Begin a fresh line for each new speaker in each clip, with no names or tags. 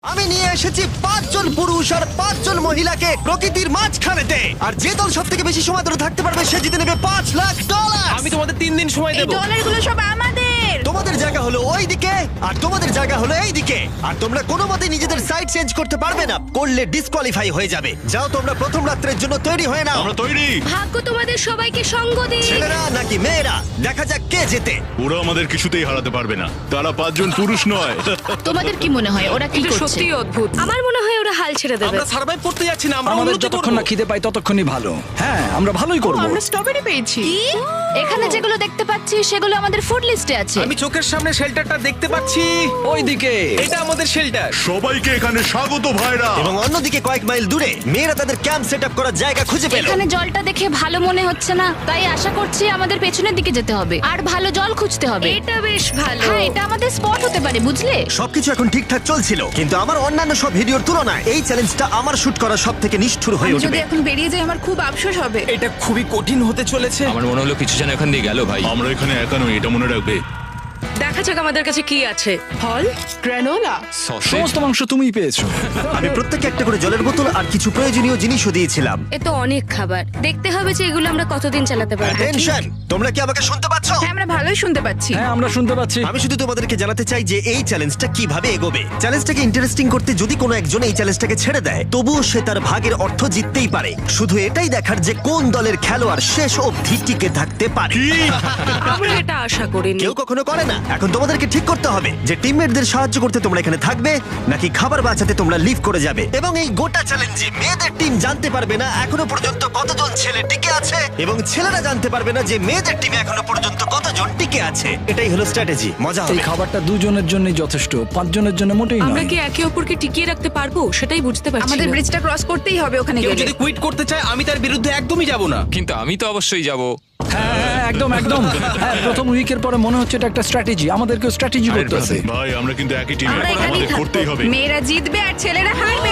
আমি নিয়ে এসেছি 5 জন পুরুষ আর 5 জন মহিলাকে প্রকৃতির মাঝখানেতে, আর যে দল সব থেকে বেশি সময় ধরে থাকতে পারবে সে জিতে নেবে $5,00,000।
আমি তোমাদের 3 দিন সময়
এই
দেব।
ডলারগুলো সব আমাদের।
তোমাদের জায়গা হলো ওই দিকে আর তোমাদের জায়গা হলো এই দিকে, আর তোমরা কোনো মতে নিজেদের সাইড চেঞ্জ করতে পারবে না, করলে ডিসকোয়ালিফাই হয়ে যাবে। যাও তোমরা প্রথম রাত্রের জন্য তৈরি হয়ে নাও।
আমরা তৈরি।
ভাগ্য তোমাদের সবাইকে সঙ্গ দিন।
ছেলেরা নাকি মেয়েরা, দেখা যাক কে জেতে।
ওরা আমাদের কিছুতেই হারাতে পারবে না, তারা 5 জন পুরুষ নয়।
তোমাদের কি মনে হয় ওরা কি
এটা
করছে?
সত্যি অদ্ভুত। আমার মনে হয় ওরা হাল ছেড়ে দেবে।
আমরা সার্ভাইভ করতে যাচ্ছি না, আমরা
আমাদের
উন্নতি
যতক্ষণ
করব।
না খিদে পাই ততক্ষণই ভালো। হ্যাঁ, আমরা ভালোই করব।
আমরা স্ট্রবেরি পেয়েছি।
এখানে যেগুলো দেখতে পাচ্ছি সেগুলো আমাদের ফুড লিস্টে আছে।
আমি চোখের সামনে শেল্টারটা দেখতে পাচ্ছি।
ওইদিকে
এটা আমাদের শেল্টার।
সবাইকে এখানে স্বাগত ভাইরা।
এবং অন্যদিকে কয়েক মাইল দূরে মেয়েরা তাদের ক্যাম্প সেট আপ করার জায়গা খুঁজে পেল।
এখানে জলটা দেখে ভালো মনে হচ্ছে না, তাই আশা করছি আমাদের পেছনের দিকে যেতে হবে আর ভালো জল খুঁজতে হবে।
এটা বেশ ভালো।
হ্যাঁ, এটা আমাদের স্পট হতে পারে, বুঝলে?
সবকিছু এখন ঠিকঠাক চলছিল, কিন্তু আমার অন্যান্য সব ভিডিওর তুলনায় এই চ্যালেঞ্জটা আমার শুট করা সব থেকে নিষ্ঠুর হয়ে
আমি যদি
উঠবে।
এখন বেরিয়ে যাই আমার খুব আফসোস হবে।
এটা খুবই কঠিন হতে চলেছে।
আমার মনে হলো কিছু যেন এখান দিয়ে গেল ভাই।
আমরা এখানে একা নই, এটা মনে রাখবে।
দেখা যাক আমাদের কাছে কি আছে। ফল, গ্রানোলা।
সসেজ।
সমস্ত মাংস তুমিই পেয়েছো।
আমি প্রত্যেককে একটা করে জলের বোতল আর কিছু প্রয়োজনীয় জিনিসও দিয়েছিলাম।
এ তো অনেক খাবার। দেখতে হবে যে এগুলো আমরা কতদিন চালাতে পারবো।
টেনশন, তোমরা কি আমাকে শুনতে পাচ্ছ?
হ্যাঁ, আমরা ভালোই শুনতে পাচ্ছি।
হ্যাঁ, আমরা শুনতে পাচ্ছি।
আমি শুধু তোমাদেরকে জানাতে চাই যে এই চ্যালেঞ্জটা কিভাবে এগোবে। চ্যালেঞ্জটাকে ইন্টারেস্টিং করতে যদি কোনো একজন এই চ্যালেঞ্জটাকে ছেড়ে দেয়, তবুও সে তার ভাগের অর্থ জিততেই পারে। শুধু এটাই দেখার যে কোন দলের খেলোয়াড় শেষ অবধি টিকে থাকতে পারে।
আমরা এটা আশা করিনি।
কেউ কখনো করে না। এখন তোমাদেরকে ঠিক করতে হবে যে টিমমেটদের সাহায্য করতে তোমরা এখানে থাকবে নাকি খাবার বাঁচাতে তোমরা লিভ করে যাবে। এবং এই গোটা চ্যালেঞ্জে মেয়েদের টিম জানতে পারবে না এখনো পর্যন্ত কতজন ছেলে টিকে আছে, এবং ছেলেরা জানতে পারবে না যে মেয়েদের টিমে এখনো পর্যন্ত কতজন টিকে আছে। এটাই হলো স্ট্র্যাটেজি। মজা
এই
হবে।
খাবারটা দুজনের জন্যই যথেষ্ট, 5 জনের জন্য মোটেই
আমরা
নয়।
কি একে অপরকে টিকিয়ে রাখতে পারবো সেটাই বুঝতে পারছি
আমাদের
না।
ব্রিজটা ক্রস করতেই হবে ওখানে
কেউ
গেলে।
যদি কুইট করতে চায় আমি তার বিরুদ্ধে একদমই যাব না।
কিন্তু আমি তো অবশ্যই যাব।
হ্যাঁ, হ্যাঁ, একদম একদম। হ্যাঁ, প্রথম উইকের পরে মনে হচ্ছে এটা একটা স্ট্র্যাটেজি। আমাদেরকেও স্ট্র্যাটেজি করতে হবে।
ভাই আমরা কিন্তু একই টিমে,
আমরা এখানেই
আমাদের
থাকবো।
করতেই হবে।
মেয়েরা জিতবে আর ছেলেরা হারবে।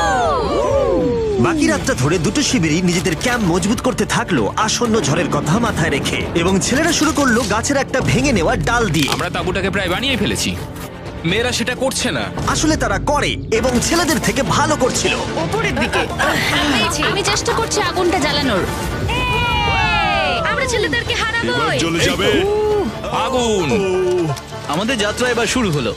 বাকি রাতটা ধরে দুটো শিবিরই নিজেদের ক্যাম্প মজবুত করতে থাকলো আসন্ন ঝড়ের কথা মাথায় রেখে, এবং ছেলেরা শুরু করলো গাছের একটা ভেঙে নেওয়া ডাল দিয়ে।
আমরা তাঁবুটাকে প্রায় বানিয়ে ফেলেছি।
মেয়েরা সেটা করছে না।
আসলে তারা করে এবং ছেলেদের থেকে ভালো করছিল।
ওপরের দিকে।
আমি চেষ্টা করছি আগুনটা জ্বালানোর।
আমরা ছেলেদেরকে
এবার
হারাবোই।
চলে যাবে।
আগুন।
আমাদের যাত্রা এবার শুরু হলো।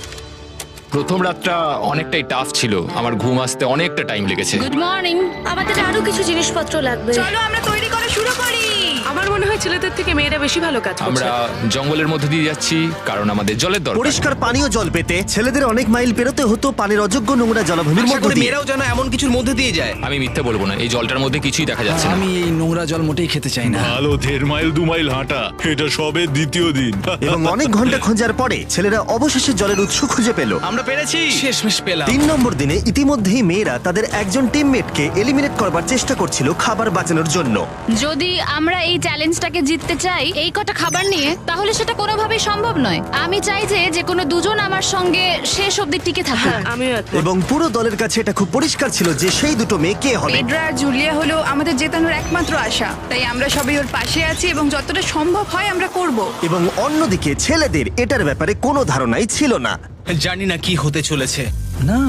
প্রথম রাতটা অনেকটাই টাফ ছিল, আমার ঘুম আসতে অনেকটা টাইম লেগেছে।
Good morning.
আমাদের আরো কিছু জিনিসপত্র লাগবে। চলো আমরা তৈরি করা শুরু করি।
আমার মনে হয় ছেলেদের থেকে মেয়েরা বেশি ভালো কাজ করছে।
আমরা জঙ্গলের মধ্যে দিয়ে যাচ্ছি কারণ আমাদের জলের দরকার।
পরিষ্কার পানীয় জল পেতে ছেলেদের অনেক মাইল পেরোতে হতো পানির অযোগ্য নোংরা জলাভূমির
আশা
মধ্য
করি
দিয়ে।
মেয়েরাও যেন এমন কিছুর মধ্যে দিয়ে যায়।
আমি মিথ্যে বলবো না, এই জলটার মধ্যে কিছুই দেখা যাচ্ছে না।
আমি এই নোংরা জল মোটেই খেতে চাই না।
ভালো 1.5 মাইল 2 মাইল হাঁটা, এটা সবে দ্বিতীয় দিন।
এবং অনেক ঘন্টা খোঁজার পরে ছেলেরা অবশেষে জলের উৎস খুঁজে পেল।
আমরা পেরেছি, শেষমেশ পেলাম।
3 নম্বর দিনে ইতিমধ্যেই মেয়েরা তাদের একজন টিমমেটকে এলিমিনেট করবার চেষ্টা করছিল খাবার বাঁচানোর জন্য।
যদি আমরা এই চ্যালেঞ্জটাকে জিততে চাই এই কটা খাবার নিয়ে, তাহলে সেটা কোনোভাবেই সম্ভব নয়। আমি চাই যে কোনো দুজন আমার সঙ্গে শেষ অবধি টিকে থাকুক।
হ্যাঁ, আমিও একমত।
এবং পুরো দলের কাছে এটা খুব পরিষ্কার ছিল যে সেই দুটো মেয়ে কে হবে।
পেড্রা আর জুলিয়া হলো আমাদের জেতানোর একমাত্র আশা। তাই আমরা সবাই ওর পাশে আছি এবং যতটা সম্ভব হয় আমরা করব।
এবং অন্যদিকে ছেলেদের এটার ব্যাপারে কোনো ধারণাই ছিল না।
জানি না কি হতে চলেছে।
না,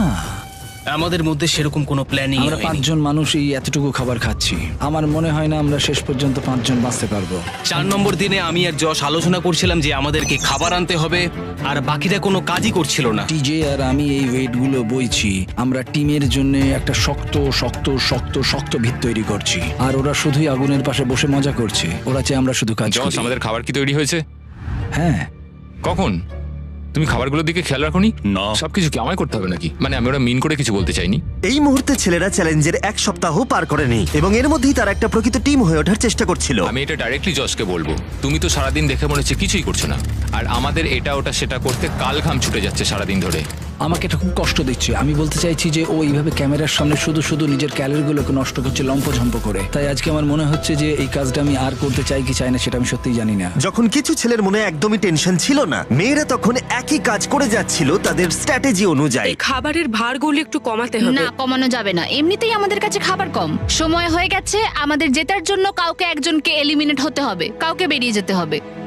আমাদের মধ্যে সেরকম কোনো প্ল্যানিং
আমরা 5 জন মানুষ এই এতটুকু খাবার খাচ্ছি। আমার মনে হয় না আমরা শেষ পর্যন্ত 5 জন বাঁচতে পারবো।
4 নম্বর দিনে আমি আর যশ আলোচনা করছিলাম যে আমাদেরকে খাবার আনতে হবে, আর বাকিরা কোনো কাজই করছিল না।
টিজে আর আমি এই ওয়েটগুলো বইছি। আমরা টিমের জন্য একটা শক্ত শক্ত শক্ত শক্ত ভিত তৈরি করছি, আর ওরা শুধুই আগুনের পাশে বসে মজা করছে। ওরা চাই আমরা শুধু কাজ
জস,
করি।
আমাদের খাবার কি তৈরি হয়েছে?
হ্যাঁ,
কখন? তুমি খাবারগুলোর দিকে খেয়াল রাখোনি?
না।
সবকিছু কি আমায় করতে হবে নাকি? মানে আমি ওরা মিন করে কিছু বলতে চাইনি।
এই মুহূর্তে ছেলেরা চ্যালেঞ্জের 1 সপ্তাহ পার করেনি এবং এর মধ্যেই তারা একটা প্রকৃত টিম হয়ে ওঠার চেষ্টা করছিল।
আমি এটা ডাইরেক্টলি জসকে বলবো। তুমি তো সারাদিন দেখে মনে হচ্ছে কিছুই করছো না, আর আমাদের এটা ওটা সেটা করতে কাল ঘাম ছুটে যাচ্ছে সারাদিন ধরে।
আমাকে এটা খুব কষ্ট দিচ্ছে। আমি বলতে চাইছি যে ও এইভাবে ক্যামেরার সামনে শুধু শুধু নিজের ক্যালোরিগুলোকে নষ্ট করছে লম্পঝম্প করে। তাই আজকে আমার মনে হচ্ছে যে এই কাজটা আমি আর করতে চাই কি চাই না সেটা আমি সত্যিই জানি না।
যখন কিছু ছেলের মনে একদমই টেনশন ছিল না, মেয়েরা তখন একই কাজ করে যাচ্ছিল তাদের স্ট্র্যাটেজি অনুযায়ী।
এই খাবারের ভারগুলো একটু কমাতে হবে।
না, কমানো যাবে না। এমনিতেই আমাদের কাছে খাবার কম। সময় হয়ে গেছে, আমাদের জেতার জন্য কাউকে একজনকে এলিমিনেট হতে হবে, কাউকে বেরিয়ে যেতে হবে।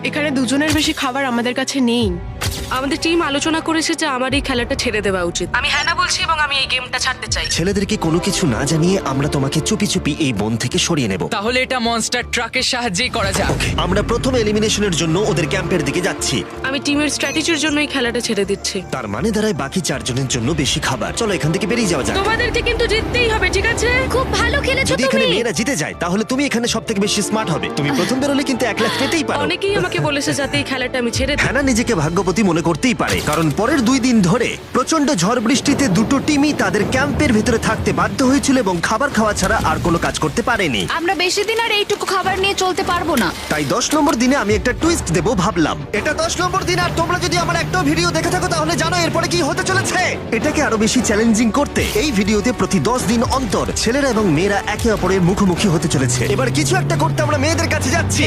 এখানে দুজনের বেশি খাবার আমাদের কাছে নেই।
আমাদের টিম আলোচনা করেছে যে আমার এই খেলাটা ছেড়ে দেওয়া উচিত। আমি হ্যাঁ না বলছি এবং আমি এই গেমটা ছাড়তে চাই।
ছেলেদেরকে কোনো কিছু না জানিয়ে আমরা তোমাকে চুপি চুপি এই বন থেকে সরিয়ে নেব।
তাহলে এটা মনস্টার ট্রাকের সাহায্যেই করা যাক।
আমরা প্রথম এলিমিনেশনের জন্য ওদের ক্যাম্পের দিকে যাচ্ছি।
আমি টিমের স্ট্র্যাটেজির জন্য এই খেলাটা ছেড়ে দিচ্ছি।
তার মানে দাঁড়ায় বাকি 4 জনের জন্য বেশি খাবার। চলো এখান থেকে বেরিয়ে যাওয়া যাক।
তোমাদেরকে কিন্তু জিততেই হবে, ঠিক আছে?
খুব ভালো খেলেছো
যদি এখানে
তুমি।
মেয়েরা জিতে যায় তাহলে তুমি এখানে সবথেকে বেশি স্মার্ট হবে। তুমি প্রথম বেরোলে কিন্তু 1 লাখ পেতেই পারো।
অনেকেই আমাকে বলেছে যাতে এই খেলাটা আমি ছেড়ে দিই।
হ্যানা নিজেকে ভাগ্যবতী মনে করতেই পারে, কারণ পরের 2 দিন ধরে প্রচন্ড ঝড় বৃষ্টিতে দুটো টিমই তাদের ক্যাম্পের ভিতরে থাকতে বাধ্য হয়েছিল এবং খাবার খাওয়া ছাড়া আর কোনো কাজ করতে পারেনি।
আমরা বেশি দিন আর এইটুকু খাবার নিয়ে চলতে পারবো না।
তাই 10 নম্বর দিনে আমি একটা টুইস্ট দেব ভাবলাম। এটা 10 নম্বর দিন, আর তোমরা যদি আমার একটা ভিডিও দেখে থাকো তাহলে জানো এরপরে কি হতে চলেছে। এটাকে আরো বেশি চ্যালেঞ্জিং করতে এই ভিডিওতে প্রতি 10 দিন অন্তর ছেলেরা এবং মেয়েরা একে অপরের মুখোমুখি হতে চলেছে। এবার কিছু একটা করতে আমরা মেয়েদের কাছে যাচ্ছি।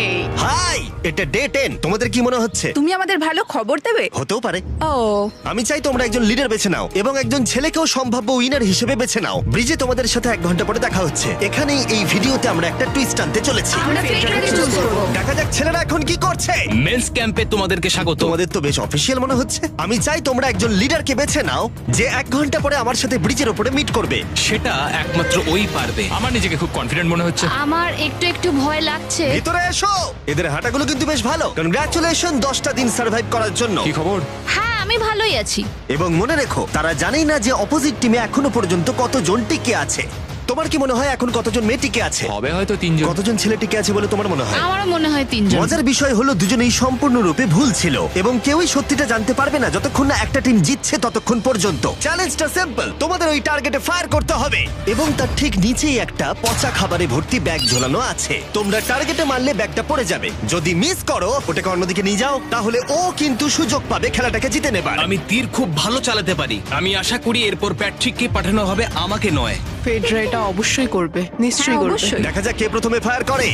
হাই, এটা ডে 10। তোমাদের কি মনে হচ্ছে?
তুমি আমাদের ভালো খবর দেবে?
হতেও পারে।
ও,
আমি চাই তোমরা একজন লিডার বেছে নাও এবং একজন ছেলেকেও সম্ভাব্য উইনার হিসেবে বেছে নাও। ব্রিজে তোমাদের সাথে 1 ঘন্টা পরে দেখা হচ্ছে। এখানেই এই ভিডিওতে আমরা একটা টুইস্ট আনতে চলেছি।
আমরা ফেডরারকে চুজ করব।
দেখা যাক ছেলেরা এখন কি করছে।
মেন্স ক্যাম্পে তোমাদেরকে স্বাগত।
তোমাদের তো বেশ অফিসিয়াল মনে হচ্ছে। আমি চাই তোমরা একজন লিডারকে বেছে নাও যে 1 ঘন্টা পরে আমার সাথে ব্রিজের উপরে মিট করবে।
সেটা একমাত্র ওই পারবে।
আমার নিজেকে খুব কনফিডেন্ট মনে হচ্ছে।
আমার একটু একটু ভয় লাগছে।
ভিতরে এসো। এদের হাঁটাগুলো কিন্তু বেশ ভালো। কনগ্রাচুলেশন 10টা দিন সার্ভাইভ করার জন্য।
কি খবর?
হ্যাঁ, আমি ভালোই আছি।
এবং মনে রেখো, তারা জানেই না যে অপোজিট টিমে এখনো পর্যন্ত কতজন টিকে আছে। তোমার কি মনে হয় এখন কতজন মেয়ে টিকে আছে?
হবে হয়তো 3 জন।
কতজন ছেলে টিকে আছে বলে তোমার মনে হয়?
আমারও মনে হয় 3 জন।
মজার বিষয় হলো দুজনেই সম্পূর্ণরূপে ভুল ছিল এবং কেউই সত্যিটা জানতে পারবে না যতক্ষণ না একটা টিম জিতছে ততক্ষণ পর্যন্ত। চ্যালেঞ্জটা সিম্পল, তোমাদের ওই টার্গেটে ফায়ার করতে হবে এবং তার ঠিক নিচেই একটা পচা খাবারে ভর্তি ব্যাগ ঝোলানো আছে। তোমরা টার্গেটে মারলে ব্যাগটা পড়ে যাবে। যদি মিস করো, ওটাকে অন্যদিকে নিয়ে যাও, তাহলে ও কিন্তু সুযোগ পাবে খেলাটাকে জিতে নেবার।
আমি তীর খুব ভালো চালাতে পারি। আমি আশা করি এরপর প্যাট্রিককে পাঠানো হবে, আমাকে নয়।
ফেডরা এটা অবশ্যই করবে, নিশ্চয়ই করবে।
অবশ্যই।
দেখা যাক কে প্রথমে ফায়ার করে।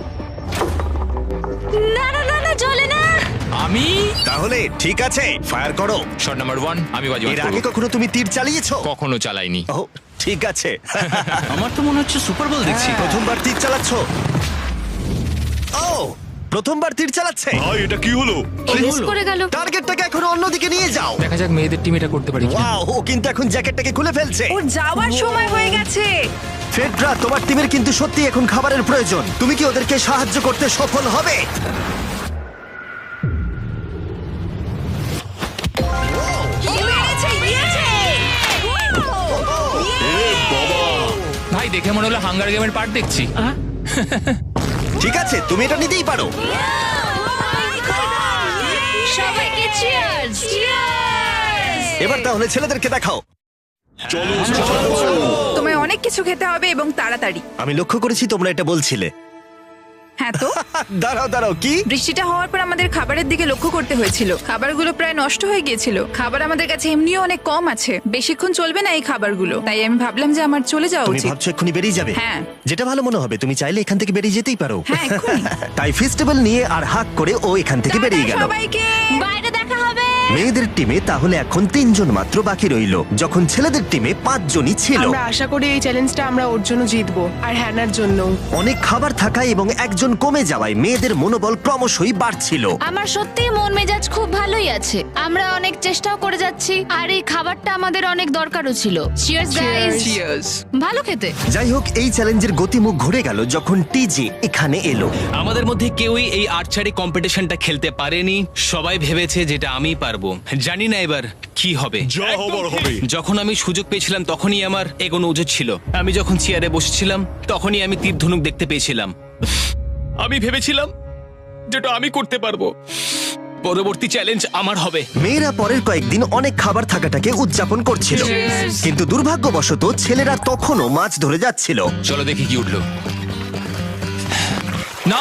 না না না না, চলে না।
আমি
তাহলে ঠিক আছে, ফায়ার করো।
শট নাম্বার 1 আমি বাজি
এর আগে কখনো তুমি তীর চালিয়েছো?
কখনো চালাইনি।
ও ঠিক আছে।
আমার তো মনে হচ্ছে সুপার বল দেখছি।
প্রথমবার তীর চালাচ্ছ? ও, প্রথমবার তীর চালাচ্ছে।
ভাই এটা কি হলো?
মিস করে গেল।
টার্গেটটাকে এখন অন্যদিকে নিয়ে যাও।
দেখা যাক মেয়েদের টিম এটা করতে পারি কিনা।
ওয়াও, ও কিন্তু এখন জ্যাকেটটাকে খুলে ফেলছে।
ওর যাওয়ার সময় হয়ে গেছে।
ফেডরা, তোমার টিমের কিন্তু সত্যি এখন খাবারের প্রয়োজন। তুমি কি ওদেরকে সাহায্য করতে সফল হবে?
ভাই দেখে মনে হলো হাঙ্গার গেমের পার্ট দেখছি।
ঠিক আছে, তুমি এটা নিতেই পারো।
সবাইকে চিয়ার্স। চিয়ার্স।
এবার তাহলে ছেলেদেরকে দেখাও।
তোমায় অনেক কিছু খেতে হবে এবং তাড়াতাড়ি।
আমি লক্ষ্য করেছি তোমরা এটা বলছিলে।
হ্যাঁ তো,
দাঁড়াও দাঁড়াও, কি?
বৃষ্টিটা হওয়ার পর আমাদের খাবারের দিকে লক্ষ্য করতে হয়েছিল। খাবারগুলো প্রায় নষ্ট হয়ে গিয়েছিল। খাবার আমাদের কাছে এমনিও অনেক কম আছে, বেশিক্ষণ চলবে না এই খাবারগুলো। তাই আমি ভাবলাম যে আমার চলে যাওয়া
তুমি
উচিত।
ভাবছো এক্ষুনি বেরিয়ে যাবে?
হ্যাঁ।
যেটা ভালো মনে হবে। তুমি চাইলে এখান থেকে বেরিয়ে যেতেই পারো।
হ্যাঁ, এক্ষুনি।
তাই ফেস্টিভ্যাল নিয়ে আর হাক করে ও এখান থেকে বেরিয়ে
টাটা
গেল।
সবাইকে।
বাইরে দেখা হবে।
মেয়েদের টিমে তাহলে এখন 3 জন মাত্র বাকি রইলো, যখন ছেলেদের টিমে 5 জনই ছিল।
আমরা আশা করি এই চ্যালেঞ্জটা আমরা ওর জন্য জিতবো, আর হ্যানার জন্য।
অনেক খাবার থাকায় এবং একজন কমে যাওয়ায় মেয়েদের মনোবল ক্রমশই বাড়ছিল।
আমার সত্যিই মন মেজাজ খুব ভালোই আছে। আমরা অনেক চেষ্টাও করে যাচ্ছি আর এই খাবারটা আমাদের অনেক দরকারও ছিল। Cheers guys. ভালো খেতে।
যাই হোক, এই চ্যালেঞ্জের গতিমুখ ঘুরে গেল যখন টিজি এখানে এলো।
আমাদের মধ্যে কেউই এই আর্চারি কম্পিটিশনটা খেলতে পারেনি। সবাই ভেবেছে যেটা আমিই পারবো। জানি না এবার কি হবে।
যা হবার হবে।
যখন আমি সুযোগ পেয়েছিলাম তখনই আমার এগোনো উচিত ছিল। আমি যখন চেয়ারে বসেছিলাম তখনই আমি তীর ধনুক দেখতে পেয়েছিলাম। আমি ভেবেছিলাম যেটা আমি করতে পারবো। পরবর্তী চ্যালেঞ্জ আমার হবে।
মেয়েরা পরের কয়েকদিন অনেক খাবার থাকাটাকে উদযাপন করছিল, কিন্তু দুর্ভাগ্যবশত ছেলেরা তখনও মাছ ধরে যাচ্ছিল।
চলো দেখি কি উঠলো। না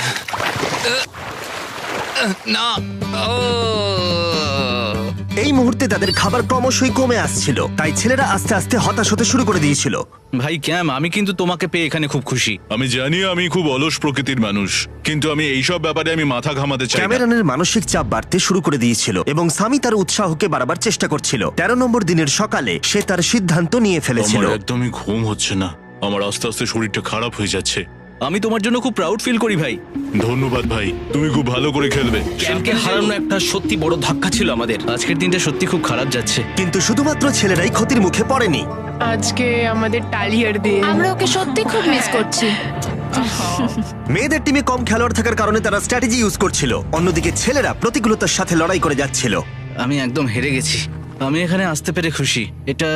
না, ও
এই মুহূর্তে তাদের খাবার ক্রমশই কমে আসছিল, তাই ছেলেরা আস্তে আস্তে হতাশ হতে শুরু করে দিয়েছিল।
ভাই ক্যাম, আমি কিন্তু তোমাকে পেয়ে এখানে খুব খুশি।
আমি জানি আমি খুব অলস প্রকৃতির মানুষ, কিন্তু আমি এইসব ব্যাপারে আমি মাথা ঘামাতে চাই না।
ক্যামেরনের মানসিক চাপ বাড়তে শুরু করে দিয়েছিল এবং সামি তার উৎসাহকে বাড়াবার চেষ্টা করছিল। 13 নম্বর দিনের সকালে সে তার সিদ্ধান্ত নিয়ে ফেলেছিল।
আমার একদমই ঘুম হচ্ছে না। আমার আস্তে আস্তে শরীরটা খারাপ হয়ে যাচ্ছে।
আমি তোমার জন্য খুব প্রাউড ফিল করি ভাই।
ধন্যবাদ ভাই, তুমি খুব ভালো করে খেলবে।
ক্যাম্পকে হারানো একটা সত্যি বড় ধাক্কা ছিল আমাদের।
আজকের দিনটা সত্যি খুব খারাপ যাচ্ছে।
কিন্তু শুধুমাত্র ছেলেরাই ক্ষতির মুখে পড়েনি।
আজকে আমাদের টালিয়ার দিন।
আমরা ওকে সত্যি খুব মিস করছি।
মেয়েদের টিমে কম খেলোয়াড় থাকার কারণে তারা স্ট্র্যাটেজি ইউজ করছিল, অন্যদিকে ছেলেরা প্রতিকূলতার সাথে লড়াই করে যাচ্ছিল।
আমি একদম হেরে গেছি। আমি এখানে আসতে পেরে খুশি।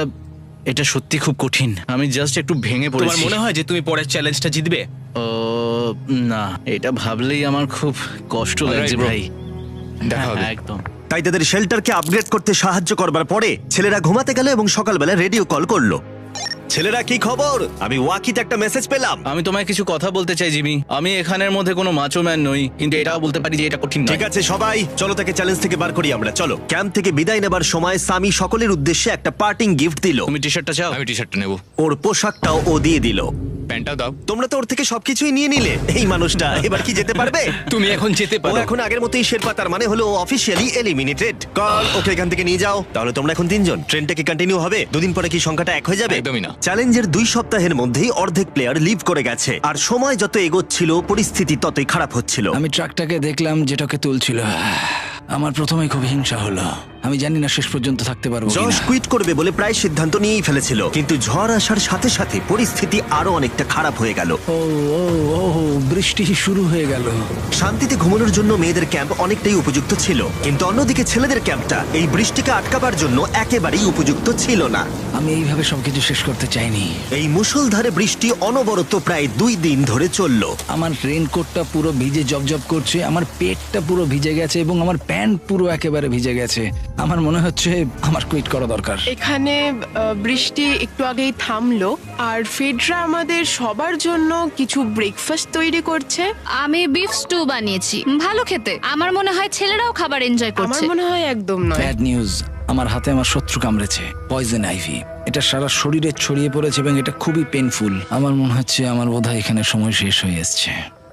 এটা সত্যি খুব কঠিন। আমি জাস্ট একটু ভেঙে
তোমার
পড়েছি।
মনে হয় যে তুমি পরের চ্যালেঞ্জটা জিতবে?
ও না, এটা ভাবলেই আমার খুব কষ্ট লাগছে
Alright, bro.
ভাই।
দেখা হবে।
হ্যাঁ, একদম।
তাই তাদের শেল্টারকে আপগ্রেড করতে সাহায্য করবার পরে ছেলেরা ঘুমাতে গেল এবং সকালবেলা রেডিও কল করলো। ছেলেরা, কি খবর? আমি ওয়াকিতে একটা মেসেজ পেলাম।
আমি তোমায় কিছু কথা বলতে চাই জিমি। আমি এখানের মধ্যে কোনো মাচো ম্যান নই, কিন্তু এটাও বলতে পারি যে এটা কঠিন নয়।
ঠিক আছে সবাই, চলো তাকে চ্যালেঞ্জ থেকে বার করি আমরা। চলো। ক্যাম্প থেকে বিদায় নেবার সময় সামি সকলের উদ্দেশ্যে একটা পার্টিং গিফট দিল।
তুমি টি শার্টটা চাও?
আমি টি শার্টটা নেবো,
ওর পোশাকটাও ও দিয়ে দিল।
প্যান্টটাও দাও।
তোমরা তো ওর থেকে সবকিছুই নিয়ে নিলে। এই মানুষটা এবার কি যেতে পারবে?
তুমি এখন যেতে
ও
পারো।
এখন আগের মতোই শেরপা, তার মানে হলো অফিসিয়ালি এলিমিনেটেড। কল ওকে এখান থেকে নিয়ে যাও। তাহলে তোমরা এখন 3 জন। ট্রেনটা কি কন্টিনিউ হবে? দুদিন পরে কি সংখ্যাটা 1 হয়ে যাবে?
একদমই না।
চ্যালেঞ্জের 2 সপ্তাহের মধ্যেই অর্ধেক প্লেয়ার লিভ করে গেছে, আর সময় যত এগোচ্ছিল পরিস্থিতি ততই খারাপ হচ্ছিল।
আমি ট্রাকটাকে দেখলাম যেটাকে তুলছিল। আমার প্রথমেই খুব হিংসা হলো। আমি জানি না শেষ পর্যন্ত থাকতে পারবো
জশ
কিনা।
কুইট করবে বলে প্রায় সিদ্ধান্ত নিয়েই ফেলেছিল, কিন্তু ঝড় আসার সাথে সাথে পরিস্থিতি আরো অনেকটা খারাপ হয়ে গেল।
ও ও ও বৃষ্টি শুরু হয়ে গেল।
শান্তিতে ঘুমানোর জন্য মেয়েদের ক্যাম্প অনেকটাই উপযুক্ত ছিল, কিন্তু অন্যদিকে ছেলেদের ক্যাম্পটা এই বৃষ্টিকে আটকাবার জন্য একেবারেই উপযুক্ত ছিল না।
আমি এইভাবে সবকিছু শেষ করতে চাইনি।
এই মুষলধারে বৃষ্টি অনবরত প্রায় 2 দিন ধরে চলল।
আমার রেইনকোটটা পুরো ভিজে জবজব করছে, আমার পেটটা পুরো ভিজে গেছে এবং আমার প্যান্ট পুরো একেবারে ভিজে গেছে। আমার মনে হচ্ছে আমার কুইট করা দরকার।
এখানে বৃষ্টি একটু আগেই থামলো, আর ফেডরা আমাদের সবার জন্য কিছু ব্রেকফাস্ট তৈরি করছে।
আমি বিফ স্টু বানিয়েছি, ভালো খেতে। আমার মনে হয় ছেলেরাও খাবার এনজয়
আমার
করছে।
মনে হয় একদম নয়।
ব্যাড নিউজ, আমার হাতে আমার শত্রু কামড়েছে, পয়জন আইভি। এটা সারা শরীরে ছড়িয়ে পড়েছে এবং এটা খুবই পেইনফুল। আমার মনে হচ্ছে আমার বোধহয় এখানে সময় শেষ হয়ে এসছে।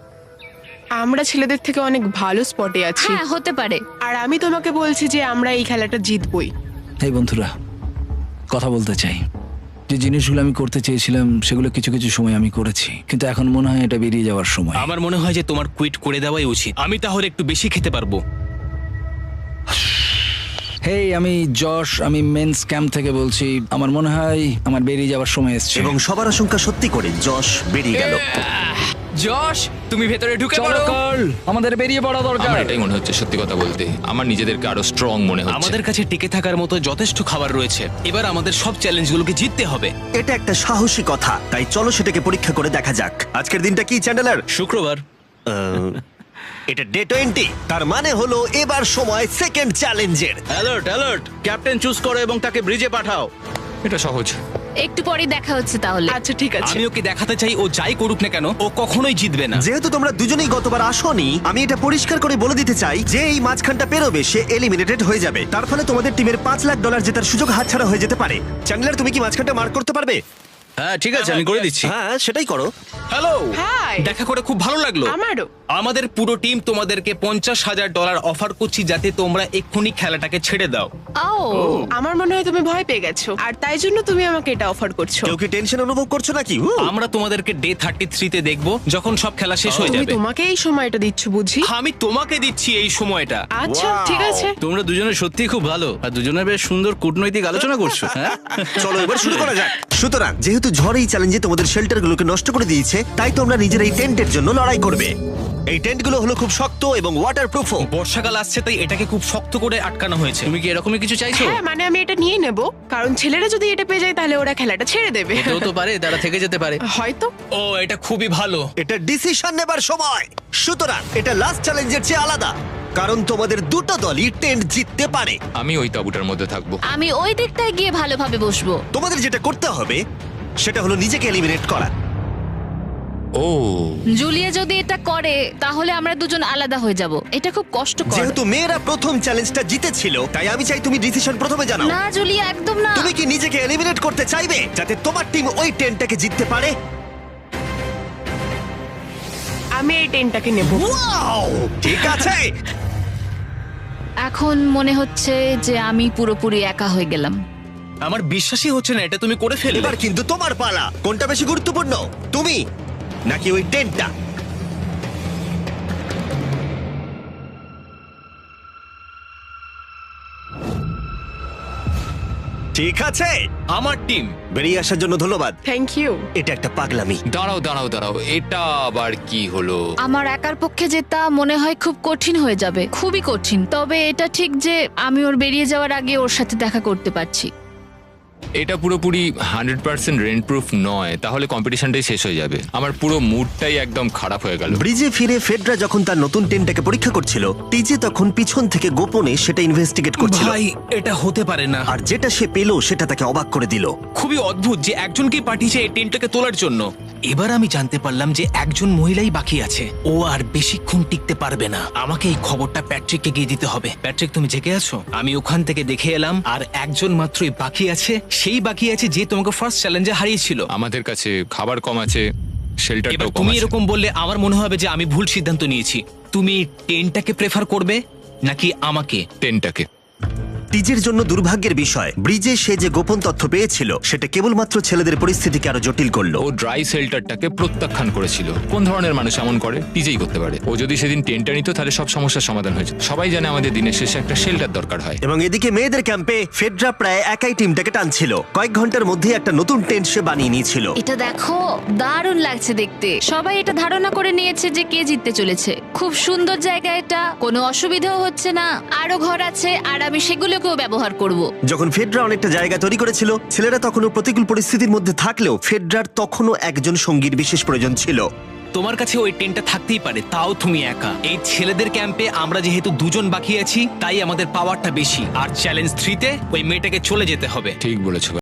আমরা ছেলেদের থেকে অনেক ভালো স্পটে আছি,
হ্যাঁ, হতে পারে।
আর আমি তোমাকে বলছি যে আমরা এই খেলাটা জিতবই।
এই বন্ধুরা, কথা বলতে চাই। যে জিনিসগুলো আমি করতে চেয়েছিলাম সেগুলো কিছু কিছু সময় আমি করেছি, কিন্তু এখন মনে হয় এটা বেরিয়ে যাওয়ার সময়।
আমার মনে হয় যে তোমার কুইট করে দেওয়াই উচিত। আমি তাহলে একটু বেশি খেতে পারবো।
হেই, আমি যশ, আমি মেন্স ক্যাম্প থেকে বলছি। আমার মনে হয় আমার বেরিয়ে যাওয়ার সময় এসছে।
এবং সবার আশঙ্কা সত্যি করে যশ বেরিয়ে গেল।
যশ, তুমি ভেতরে ঢুকে
চলো
পড়ো।
কার্ল, আমাদের বেরিয়ে পড়া দরকার।
আমার এটাই মনে হচ্ছে, সত্যি কথা বলতে আমার নিজেদেরকে আরো স্ট্রং মনে হচ্ছে।
আমাদের কাছে টিকে থাকার মতো যথেষ্ট খাবার রয়েছে। এবার আমাদের সব চ্যালেঞ্জগুলোকে জিততে হবে।
এটা একটা সাহসী কথা, তাই চলো সেটাকে পরীক্ষা করে দেখা যাক। আজকের দিনটা কি চ্যান্ডেলার?
শুক্রবার।
এটা ডে 20, তার মানে হলো এবার সময় সেকেন্ড চ্যালেঞ্জের।
অ্যালার্ট অ্যালার্ট, ক্যাপ্টেন চুজ করো এবং তাকে ব্রিজে পাঠাও।
এটা সহজ।
একটু পরেই দেখা হচ্ছে তাহলে।
আচ্ছা ঠিক আছে।
আমি ওকে দেখাতে চাই ও যাই করুক না কেন ও কখনোই জিতবে না।
যেহেতু তোমরা দুজনেই গতবার আসোনি, আমি এটা পরিষ্কার করে বলে দিতে চাই যে এই মাঝখানটা পেরোবে সে এলিমিনেটেড হয়ে যাবে। তার ফলে তোমাদের টিমের $5 লাখ জেতার সুযোগ হাতছাড়া হয়ে যেতে পারে। চ্যান্ডেলার, তুমি কি মাঝখানটা মার্ক করতে পারবে?
হ্যাঁ ঠিক আছে, আমি করে দিচ্ছি।
হ্যাঁ, সেটাই করো।
Hello,
hi.
দেখা করে খুব ভালো লাগলো।
আমারও।
আমাদের পুরো টিম তোমাদেরকে $50,000 অফার করছি যাতে তোমরা এক্ষুনি খেলাটাকে ছেড়ে দাও।
ও,
আমার মনে হয় তুমি ভয় পেয়ে গেছো, আর তাই জন্য তুমি আমাকে এটা অফার করছো।
কেউ কি টেনশন অনুভব করছো নাকি?
আমরা তোমাদেরকে ডে 33-তে দেখবো যখন সব খেলা শেষ হয়ে
তুমি
যাবে।
তোমাকে এই সময়টা দিচ্ছ বুঝি?
আমি তোমাকে দিচ্ছি এই সময়টা।
আচ্ছা ঠিক আছে।
তোমরা দুজনে সত্যিই খুব ভালো, আর দুজনে বেশ সুন্দর কূটনৈতিক আলোচনা করছো। হ্যাঁ,
চলো এবার শুরু করা যাক। সুতরাং যেহেতু ঝড় এই চ্যালেঞ্জে তোমাদের শেল্টারগুলোকে নষ্ট করে দিয়েছে, তাই তোমরা নিজের এই টেন্টের জন্য লড়াই করবে। এই টেন্টগুলো হলো খুব শক্ত এবং ওয়াটারপ্রুফও।
বর্ষাকাল আসছে তাই এটাকে খুব শক্ত করে আটকানো হয়েছে।
তুমি কি এরকমই কিছু চাইছো?
হ্যাঁ, মানে আমি এটা নিয়ে নেব, কারণ ছেলেরা যদি এটা পেয়ে যায় তাহলে ওরা খেলাটা ছেড়ে দেবে।
হতেও তো পারে তারা থেকে যেতে পারে।
হয়তো।
ও, এটা খুবই ভালো।
এটা ডিসিশন নেবার সময়। সুতরাং এটা লাস্ট চ্যালেঞ্জের চেয়ে আলাদা, কারণ তোমাদের দুটো দলই টেন্ট জিততে পারে।
আমি ওই তাঁবুটার মধ্যে থাকবো।
আমি ওই দিকটায় গিয়ে ভালোভাবে বসবো।
তোমাদের যেটা করতে হবে সেটা হলো নিজেকে এলিমিনেট করা।
ও,
জুলিয়া যদি এটা করে তাহলে আমরা দুজন আলাদা হয়ে যাব। এটা খুব কষ্টকর।
যেহেতু মেয়েরা প্রথম চ্যালেঞ্জটা জিতেছিল, তাই আমি চাই তুমি ডিসিশন প্রথমে জানাও।
না জুলিয়া, একদম না।
তুমি কি নিজেকে এলিমিনেট করতে চাইবে যাতে তোমার টিম ওই টেন্টটাকে জিততে পারে?
আমি এই টেনটাকে নেব।
ওয়াও, ঠিক আছে।
এখন মনে হচ্ছে যে আমি পুরোপুরি একা হয়ে গেলাম।
আমার বিশ্বাসই হচ্ছে না এটা তুমি করে ফেললে।
এবার কিন্তু তোমার পালা। কোনটা বেশি গুরুত্বপূর্ণ, তুমি নাকি ওই টেন্টটা? ঠিক আছে,
আমার টিম।
বেরিয়ে আসার জন্য ধন্যবাদ।
Thank you.
এটা একটা পাগলামি।
দাঁড়াও দাঁড়াও দাঁড়াও, এটা আবার কি হলো?
আমার একার পক্ষে জেতা মনে হয় খুব কঠিন হয়ে যাবে, খুবই কঠিন। তবে এটা ঠিক যে আমি ওর বেরিয়ে যাওয়ার আগে ওর সাথে দেখা করতে পারছি।
এটা পুরোপুরি 100% রেন্ট প্রুফ নয়, তাহলে কম্পিটিশনটাই শেষ হয়ে যাবে। আমার পুরো মুডটাই একদম খারাপ হয়ে গেল।
ব্রিজে ফিরে ফেডরা যখন তার নতুন টেন্টটাকে পরীক্ষা করছিল, টিজে তখন পিছন থেকে গোপনে সেটা ইনভেস্টিগেট করছিল।
ভাই, এটা হতে পারে না।
আর যেটা সে পেল সেটা তাকে অবাক করে দিল।
খুবই অদ্ভুত যে একজনকেই পাঠিয়েছে এই টেন্টটাকে তোলার জন্য। এবার আমি জানতে পারলাম যে একজন মহিলাই বাকি আছে। ও আর বেশিক্ষণ টিকতে পারবে না। আমাকে এই খবরটা প্যাট্রিককে গিয়ে দিতে হবে। প্যাট্রিক, তুমি জেগে আছো? আমি ওখান থেকে দেখে এলাম আর একজন মাত্রই বাকি আছে। সেই বাকি আছে যে তোমাকে ফার্স্ট চ্যালেঞ্জে হারিয়েছিল।
আমাদের কাছে খাবার কম আছে, শেল্টারটাও
এবার
কম
তুমি
আছে।
এরকম বললে আমার মনে হবে যে আমি ভুল সিদ্ধান্ত নিয়েছি। তুমি টেন্টটাকে প্রেফার করবে নাকি আমাকে?
টেনটাকে।
টিজের জন্য দুর্ভাগ্যের বিষয়, ব্রিজে সে যে গোপন তথ্য পেয়েছিল সেটা কেবলমাত্র ছেলেদের পরিস্থিতিকে আরো জটিল করলো।
ও ড্রাই শেল্টারটাকে প্রত্যাখ্যান করেছিল। কোন ধরনের মানুষ এমন করে? টিজেই করতে পারে। ও যদি সেদিন টেন্টটা নিত তাহলে সব সমস্যার সমাধান হয়েছে। সবাই জানে আমাদের দিনের শেষে একটা শেল্টার দরকার হয়।
এবং এদিকে মেয়েদের ক্যাম্পে ফেডরা প্রায় একাই টিমটাকে টানছিল। কয়েক ঘন্টার মধ্যে একটা নতুন টেন্ট সে বানিয়ে নিয়েছিল।
এটা দেখো, দারুণ লাগছে দেখতে। সবাই এটা ধারণা করে নিয়েছে যে কে জিততে চলেছে। খুব সুন্দর জায়গা এটা, কোনো অসুবিধাও হচ্ছে না। আরো ঘর আছে আর আমি সেগুলোকেও ব্যবহার করব।
যখন ফেডরা অনেকটা জায়গা তৈরি করেছিল, ছেলেরা তখনও প্রতিকূল পরিস্থিতির মধ্যে থাকলেও ফেডরার তখনও একজন সঙ্গীর বিশেষ প্রয়োজন ছিল।
তোমার কাছে ওই টেন্টটা থাকতেই পারে, তাও তুমি একা। এই ছেলেদের ক্যাম্পে আমরা যেহেতু দুজন বাকি আছি, তাই আমাদের পাওয়ারটা বেশি। আর চ্যালেঞ্জ 3-তে ওই মেয়েটাকে চলে যেতে হবে।
ঠিক বলেছো।